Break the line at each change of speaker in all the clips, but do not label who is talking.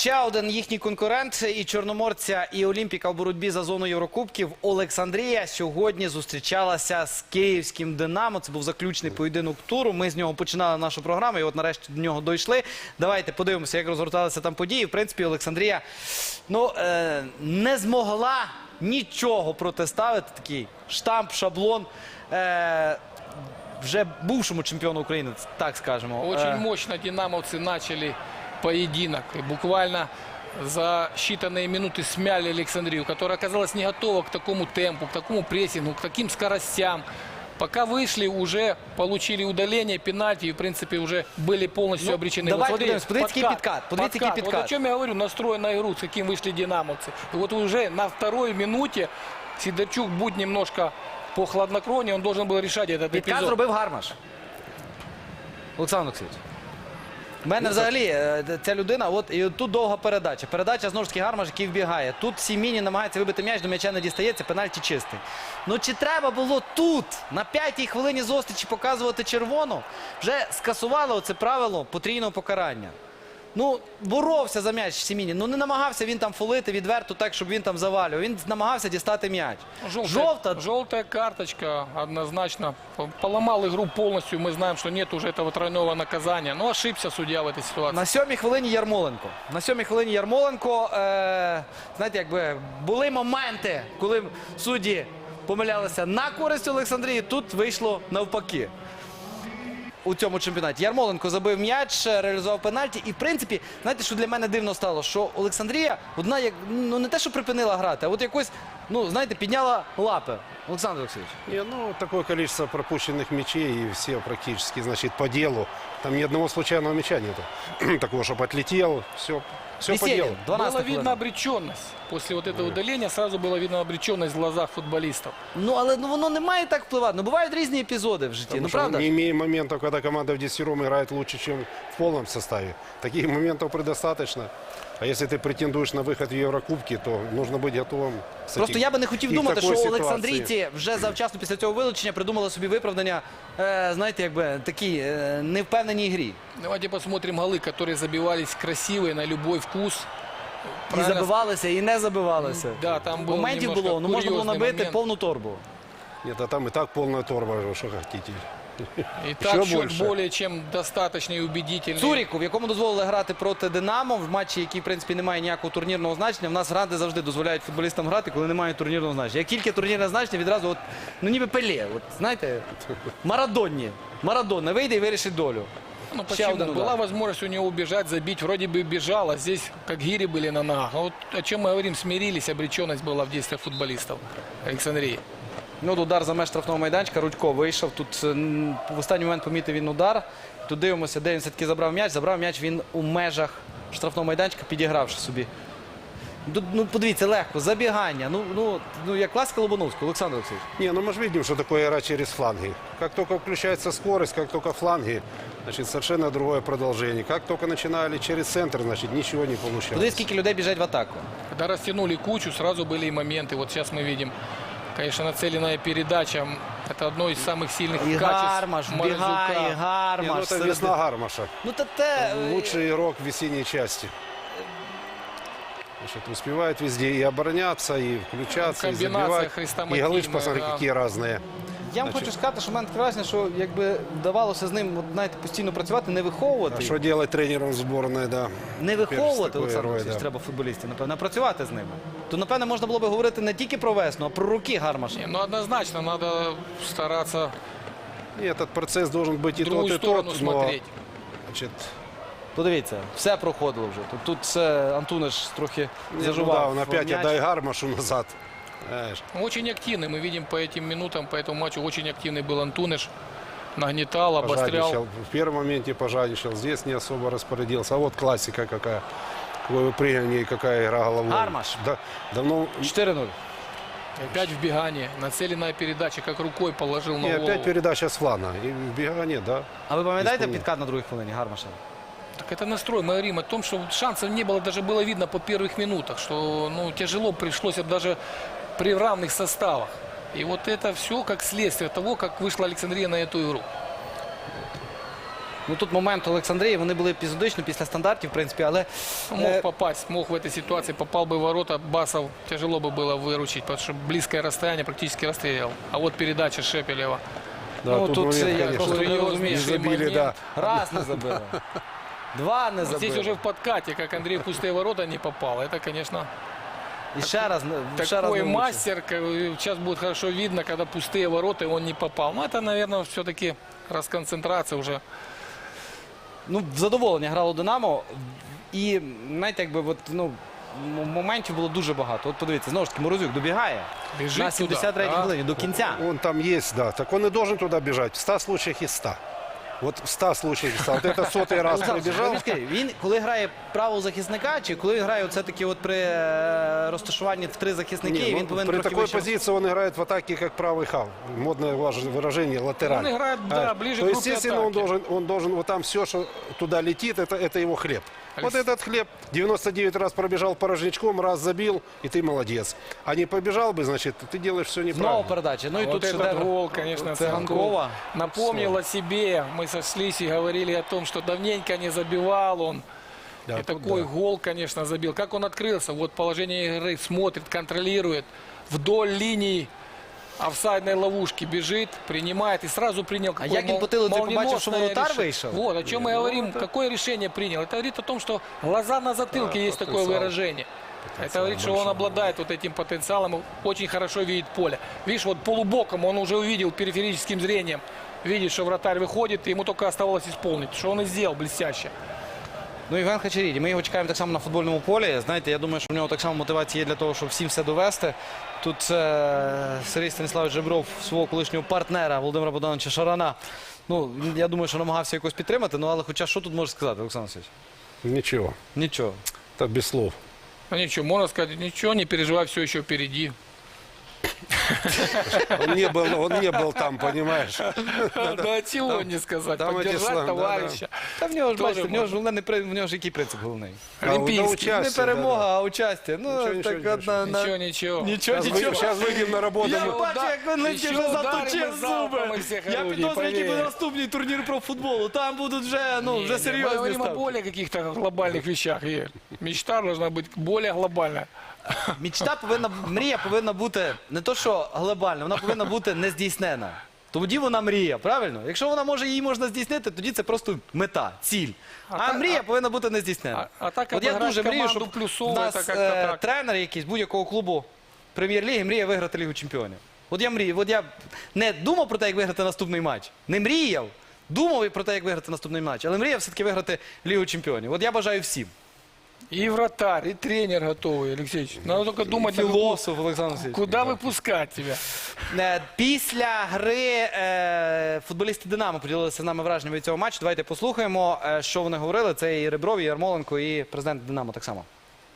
Ще один їхній конкурент і Чорноморця, і Олімпіка в боротьбі за зону Єврокубків. Олександрія сьогодні зустрічалася з київським Динамо. Це був заключний поєдинок туру. Ми з нього починали нашу програму і от нарешті до нього дійшли. Давайте подивимося, як розгорталися там події. В принципі, Олександрія не змогла нічого протиставити. Такий штамп, шаблон вже бувшому чемпіону України, так скажемо.
Очень мощно динамовцы начали поединок. И буквально за считанные минуты смяли Александрию, которая оказалась не готова к такому темпу, к такому прессингу, к таким скоростям. Пока вышли, уже получили удаление, пенальти и, в принципе, уже были полностью обречены.
Давайте
вот
подивимось, подивіться, який підкат. Подивіться, який підкат.
Вот о чем я говорю, настрой на игру, с каким вышли динамовцы. И вот уже на второй минуте Сидорчук, будь немножко по хладнокровнее, он должен был решать этот
Підкат
эпизод.
зробив Гармаш. Олександр Олексійович. У мене взагалі ця людина, от і тут довга передача. Передача, знову ж таки, Гармаш, який вбігає. Тут Сіміні намагається вибити м'яч, до м'яча не дістається, пенальті чистий. Ну чи треба було тут, на 5-й хвилині зустрічі, показувати червону? Вже скасували оце правило потрійного покарання. Ну, боровся за м'яч Сіміні. Ну, не намагався він там фолити відверто так, щоб він там завалював. Він намагався дістати м'яч.
Желтая карточка однозначно. Поломал игру полностью. Мы знаем, что нет уже этого тройного наказания. Но ошибся судья в этой ситуации.
На 7-й хвилині Ярмоленко. На 7-й хвилині Ярмоленко, знаєте, якби були моменти, коли судді помилялися на користь Олександрії. Тут вийшло навпаки. У цьому чемпіонаті. Ярмоленко забив м'яч, реалізував пенальті. І, в принципі, знаєте, що для мене дивно стало? Що Олександрія, одна, ну, не те, що припинила грати, а от якось, ну, знаєте, підняла лапи. Олександр Олексійович.
Ну, такое количество пропущенных мячей, и все практически, значит, по делу. Там ни одного случайного мяча нету. Такого, чтобы отлетел, все по делу.
Было видно обреченность. После вот этого удаления сразу было видно обреченность в глазах футболистов.
Ну, але воно не має так впливати. Ну, бувають різні епізоди в житті,
Потому
ну,
что
правда?
не имеем моментов, когда команда в 10 играет лучше, чем в полном составе. Таких моментов предостаточно. А если ты претендуешь на выход в Еврокубки, то нужно быть готовым.
Просто я би не хотів думати, що олександрійці вже завчасно після цього вилучення придумали собі виправдання, знаєте, якби такі невпевненій грі.
Давайте посмотрим голы, которые забивались красивые на любой вкус.
І забивалися, і не забивалися.
Да, там було
моментів було, ну можна було набити повну торбу.
Нет, а там и так полная торба, что хотите.
И так счет более чем достаточный и убедительный.
Цуріку, в якому дозволили грати проти Динамо, в матчі, який, в принципі, не має ніякого турнірного значення. В нас гранди завжди дозволяють футболістам грати, коли немає турнірного значення. Як тільки турнірне значення, відразу, от, ну ніби Пеле, от, знаєте, Марадонна вийде і вирішить долю.
Ну почему? Была возможность у него убежать, забить, вроде бы бежал, а здесь как гири были на ногах. А вот о чем мы говорим, смирились, обреченность была в действиях футболистов Александрии.
Ну, удар за меж штрафного майданчика, Рудько вийшов. Тут в останній момент помітив він удар. Тут дивимося, де він все-таки забрав м'яч. Забрав м'яч він у межах штрафного майданчика, підігравши собі. Ну, подивіться, легко, забігання. Ну як класика Лобановського, Олександр Олексійович.
Не, ну мы же видим, что такое игра через фланги. Как только включается скорость, как только фланги, значит, совершенно другое продолжение. Как только начинали через центр, значит, ничего не получалось.
Подивіться, скільки людей біжать в атаку.
Когда растянули кучу, сразу были и моменты. Вот сейчас мы видим, конечно, нацеленная передача. Это одно из самых сильных
І
качеств
Гармаш,
Морозюка.
бігає,
Не, ну
Гармаш.
это весна Гармаша.
Ну, та те...
Лучший игрок в весенней части. Значит, успевает везде и обороняться, и включаться, и
Комбинация
забивать. И
хрестоматийная,
голы, посмотри,
да.
какие разные.
Я вам хочу сказати, що в мене таке враження, що якби вдавалося з ним, знаєте, постійно працювати, не
А
виховувати.
что делать тренером сборной, да.
Не виховувати,
такий
Олександр
герой,
Олексійович,
да.
треба футболістів, напевно, а працювати з ними. То, напевно, можна було би говорити не тільки про весну, а про роки Гармаша.
Не, ну однозначно надо стараться
И этот процесс должен быть и
в другую
тот, и
сторону
тот. Но,
смотреть.
значит,
Подивіться, все проходило вже. Тут все Антуниш трохи
ну да,
зажував.
он опять
м'яч.
отдай Гармашу назад. Знаешь.
Очень активный, мы видим по этим минутам, по этому матчу очень активный был Антуниш. Нагнетал, обострял.
Пожадничал. В первом моменте пожадничал, здесь не особо распорядился. А вот классика какая. Какое выпрыгивание и какая игра головой.
Гармаш.
Да, давно...
4-0.
Опять вбегание, нацеленная передача, как рукой положил на
И
голову.
опять передача с флана. И вбегание, да.
А ви пам'ятаєте
Ісполнив.
підкат на другій хвилині Гармаша?
Так это настрой. Мы говорим о том, что шансов не было, даже было видно по первых минутах, что ну, тяжело пришлось даже при равных составах. И вот это все как следствие того, как вышла Александрия на эту игру.
Ну тут момент Олександрії, вони були епізодично після стандартів, в принципі, але
Мог попасть, мог в этой ситуации, попал бы в ворота, Басов тяжело бы было выручить, потому что близкое расстояние практически расстрелял. А вот передача Шепелева.
Да,
ну, тут
момент,
я
конечно,
просто не розумію,
не
що
забили,
момент.
да.
раз не забили, два не забили.
Здесь уже в подкате, как Андрей в пустые ворота не попал. Это, конечно,
І ще раз, ще раз
такой
не влучив.
мастер. Сейчас будет хорошо видно, когда пустые ворота, и он не попал. Но это, наверное, все-таки расконцентрация уже.
Ну, в задоволення грало Динамо. І, знаєте, якби, от, ну, моментів було дуже багато. От подивіться, знову ж таки, Морозюк добігає
Біжить
на 73-й
туди, да.
хвилині до кінця.
Он там есть, да. Так он и должен туда бежать. В 100 случаях из 100. Вот в 100 случаях из 100. Вот это сотый раз
Олександр,
пробежал.
ви скажіть, він, коли грає правого захисника, чи коли він грає оце таки от при розташуванні в три захисники,
Не, ну,
він повинен
при
трохи
такой
вище.
позиции он играет в атаке, как правый хав. Модное выражение, латераль.
Он играет, да, ближе
То,
к группе
естественно,
атаки.
он должен, вот там все, что туда летит, это его хлеб. Вот
Алексей.
этот хлеб 99 раз пробежал порожничком, раз забил, и ты молодец. А не побежал бы, значит, ты делаешь все
Знову
неправильно.
передача. Ну і
Вот
тут
этот
шедевр.
гол, конечно,
Цыганкова.
напомнил о себе. Мы сошлись и говорили о том, что давненько не забивал он.
Да,
И
тут
такой
да.
гол, конечно, забил. Как он открылся? Вот положение игры, смотрит, контролирует. Вдоль линии офсайдной ловушки бежит, принимает и сразу принял.
А як він по тилу, ти побачив, що
молниеносное
воротар
решение.
вийшов?
Вот, о чем мы говорим. Какое решение принял? Это говорит о том, что глаза на затылке есть такое
потенциал.
выражение. Это говорит, что он обладает вот этим потенциалом, и очень хорошо видит поле. Видишь, вот полубоком он уже увидел периферическим зрением. Видит, что вратарь выходит, и ему только оставалось исполнить. Что он и сделал блестяще.
Ну, Євген Хачеріді, ми його чекаємо так само на футбольному полі. Знаєте, я думаю, що в нього так само мотивація є для того, щоб всім все довести. Тут Сергій Станіславович Жебров свого колишнього партнера Володимира Богдановича Шарана. Ну, я думаю, що намагався якось підтримати, ну, але хоча що тут може сказати, Олександр Васильович?
Ничего,
Нічого.
это без слов.
Ну ничего, можно сказать, ничего, не переживай, все еще впереди.
Он не был там, понимаешь.
Да чего не сказать,
там эти
поддержать
слова, да,
товарища.
Та в нього ж,
Тоже
бачите, в нього ж
можна.
головне, в нього ж який принцип головний?
Олимпийский.
участие,
Не перемога,
да,
а участя. Ну,
Нічого,
так
нічого,
одна...
Ничего, ничего.
Нічого,
Сейчас,
нічого.
сейчас выйдем на работу.
Я
мы-
бачу, як він летить,
Ще
вже
ударимо
заточив
завтра
зуби.
ми всіх
Я
орудій,
підозрюю, який буде
повір.
наступний турнір про футболу. Там будуть вже, ну, вже
Мы
серйозні
говорим о
ставки.
более каких-то глобальных вещах. И мечта должна быть более глобальная.
Мрія повинна бути не то, що глобальна, вона повинна бути нездійснена. Тоді вона мрія, правильно? Якщо вона може, її можна здійснити, тоді це просто мета, ціль. А мрія повинна бути нездійснена.
А так
От я
обіграти
дуже мрію,
команду
щоб
плюсово,
в нас
це як-то так.
тренер якийсь будь-якого клубу прем'єр-ліги мріє виграти Лігу Чемпіонів. От я мрію, от я не думав про те, як виграти наступний матч, не мріяв, думав про те, як виграти наступний матч, але мріяв все-таки виграти Лігу Чемпіонів. От я бажаю всім.
И вратарь, и тренер готовый, Алексеевич. Надо только думать,
Філософ Олександр Васильович.
куда выпускать тебя.
Після гри футболісти «Динамо» поділилися з нами враженнями від цього матчу. Давайте послухаємо, що вони говорили. Це і Ребров, і Ярмоленко, і президент «Динамо» так само.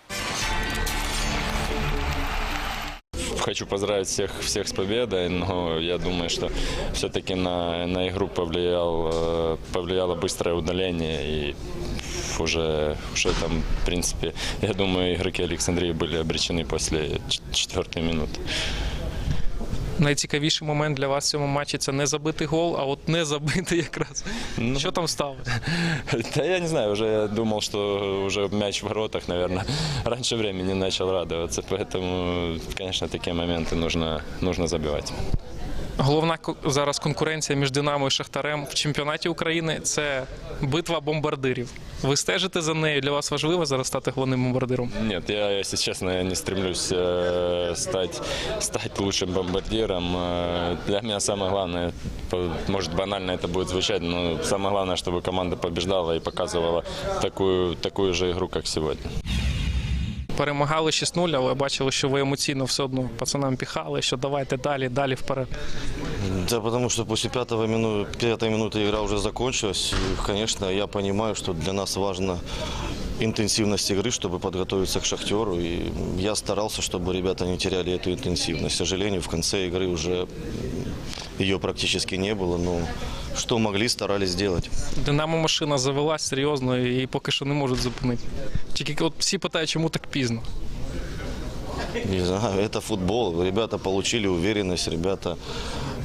Хочу поздравить всех с победой, но я думаю, что все-таки на игру повлияло быстрое удаление. И уже там, в принципе, я думаю, игроки Александрии были обречены после 4-й минуты.
Найцікавіший момент для вас в цьому матчі – це не забитий гол, а от не забитий якраз. Що там стало?
Да я не знаю, уже я думал, что уже мяч в воротах, наверное, раньше времени начал радоваться. Поэтому, конечно, такие моменты нужно забивать.
Головна зараз конкуренція між «Динамо» і «Шахтарем» в чемпіонаті України – це битва бомбардирів. Ви стежите за нею? Для вас важливо зараз стати головним бомбардиром?
Нет, я, если честно, не стремлюсь стать лучшим бомбардиром. Для меня самое главное, может банально это будет звучать, но самое главное, чтобы команда побеждала и показывала такую же игру, как сегодня.
Перемагали 6-0, але бачили, що ви емоційно все одно пацанам піхали, що давайте далі вперед.
Да, потому что после пятой минуты игра уже закончилась. И, конечно, я понимаю, что для нас важна интенсивность игры, чтобы подготовиться к «Шахтеру». И я старался, чтобы ребята не теряли эту интенсивность. К сожалению, в конце игры уже ее практически не было. Но что могли, старались сделать.
«Динамо» машина завелась серйозно і поки що не можуть зупинити. Тільки от всі питають, чому так пізно?
Не знаю, это футбол. Ребята получили уверенность, ребята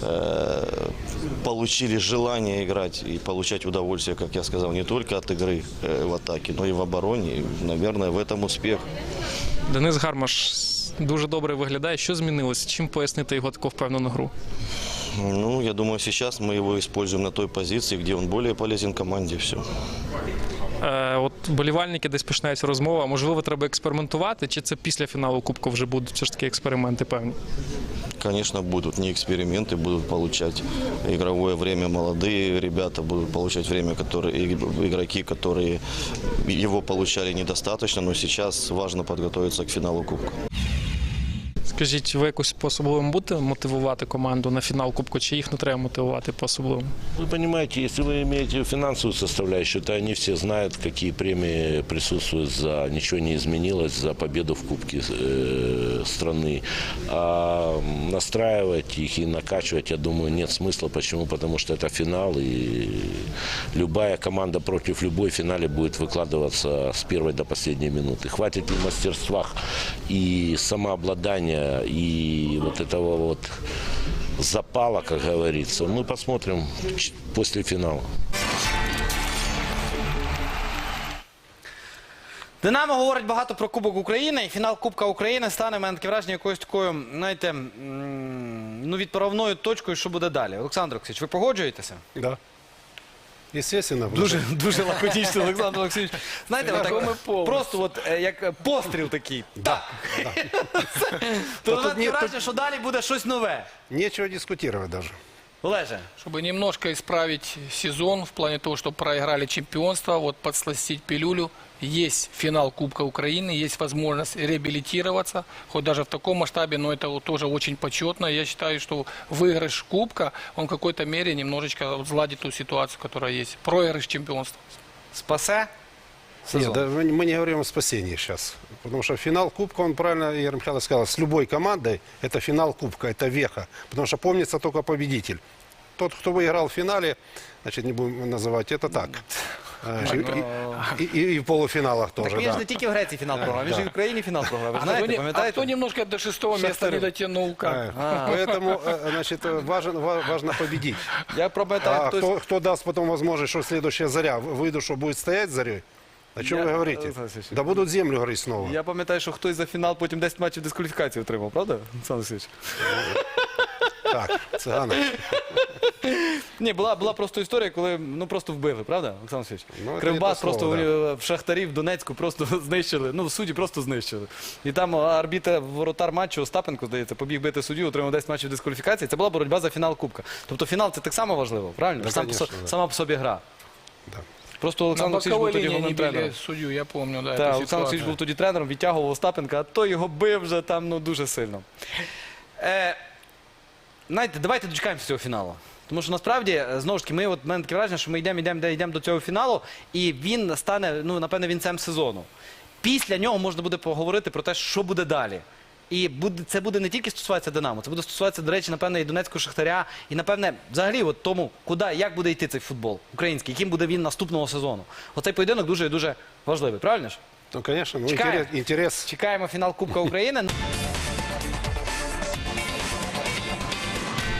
получили желание играть и получать удовольствие, как я сказал, не только от игры в атаке, но и в обороне. И, наверное, в этом успех.
Денис Гармаш дуже добре виглядає. Що змінилося? Чим пояснити його таку впевнену гру?
Ну, я думаю, сейчас мы его используем на той позиции, где он более полезен команде. Все.
От болівальники десь починається розмова. Можливо, треба експериментувати, чи це після фіналу Кубку вже будуть все ж таки експерименти певні?
Конечно, будут не эксперименты, будут получать игровое время молодые ребята, будут получать время игроки, которые его получали недостаточно, но сейчас важно подготовиться к финалу Кубка.
Скажіть, ви якось по-особливому будете мотивувати команду на фінал Кубку, чи їх не треба мотивувати по-особливому?
Вы понимаете, если вы имеете финансовую составляющую, то они все знают, какие премии присутствуют за ничего не изменилось, за победу в Кубке страны. А настраивать их и накачивать, я думаю, нет смысла. Почему? Потому что это финал, и любая команда против любой в финале будет выкладываться с первой до последней минуты. Хватит ли мастерства и самообладания, и вот этого вот запала, как говорится, мы посмотрим после финала.
Динамо говорить багато про Кубок України, і фінал Кубка України стане, в мене таке враження, якоюсь такою, знаєте, ну, відправною точкою, що буде далі. Олександр Олексійович, ви погоджуєтеся?
Да. Естественно.
Дуже лаконічно, Олександр Олексійович. Знаєте, отак, просто от, як постріл такий. Так. То таке враження, що далі буде щось нове.
Нечего дискутировать даже.
Олеже.
Чтобы немножко исправить сезон в плане того, что проиграли чемпионство, вот подсластить пилюлю. Есть финал Кубка Украины, есть возможность реабилитироваться, хоть даже в таком масштабе, но это вот тоже очень почетно. Я считаю, что выигрыш Кубка, он в какой-то мере немножечко сгладит ту ситуацию, которая есть. Проигрыш чемпионства.
Спасе сезон.
Нет, да, мы не говорим о спасении сейчас. Потому что финал Кубка, он правильно, Игорь Михайлович сказал, с любой командой это финал Кубка, это веха. Потому что помнится только победитель. Тот, кто выиграл в финале, значит, не будем называть это так. И в полуфиналах тоже,
Так він ж
да.
не тільки в Греції фінал програв, він ж і в Україні фінал програв. Ви ж знаєте,
А
пам'ятаєте?
кто немножко до 6-го места не дотянул? Как?
Поэтому, значит, важно победить.
Я пам'ятаю,
А
хтось...
кто даст потом возможность, что следующая заря выйду, что будет стоять зарей? О чем
Я-
вы говорите?
Александр Алексеевич,
Да будут землю говорить снова.
Я пам'ятаю, що хтось за фінал потім 10 матчів дискваліфікації отримав, правда, Олександр Олексійович?
Так, Цыганов.
Ні, була просто історія, коли ну просто вбили, правда, Олександр Олексійович?
Ну, це
Кривбас
не те слово,
просто в Шахтарів в Донецьку просто знищили, ну судді просто знищили. І там арбітр, воротар матчу Остапенко, здається, побіг бити суддю, отримав 10 матчів дискваліфікації. Це була боротьба за фінал Кубка. Тобто фінал це так само важливо, правильно?
Да, конечно, да.
Сама по собі гра.
Да.
Просто
На
Олександр Олексійович був
боковой
тоді
линии
головним
не били
тренером.
судью, я помню, да,
Так,
эту
Олександр
ситуацию.
Олексійович був тоді тренером, відтягував Остапенка, а той його бив вже там ну, дуже сильно. Знаєте, давайте дочекаємося цього фіналу. Тому що насправді, знову ж таки, в мене таке враження, що ми йдемо до цього фіналу, і він стане, ну, напевне, вінцем сезону. Після нього можна буде поговорити про те, що буде далі. І це буде не тільки стосуватися Динамо, це буде стосуватися, до речі, напевне, і Донецького Шахтаря, і, напевне, взагалі, от тому, як буде йти цей футбол український, яким буде він наступного сезону. Оцей поєдинок дуже і дуже важливий, правильно ж?
Ну, конечно, ну,
Чекаем.
интерес.
Чекаємо фінал Кубка України.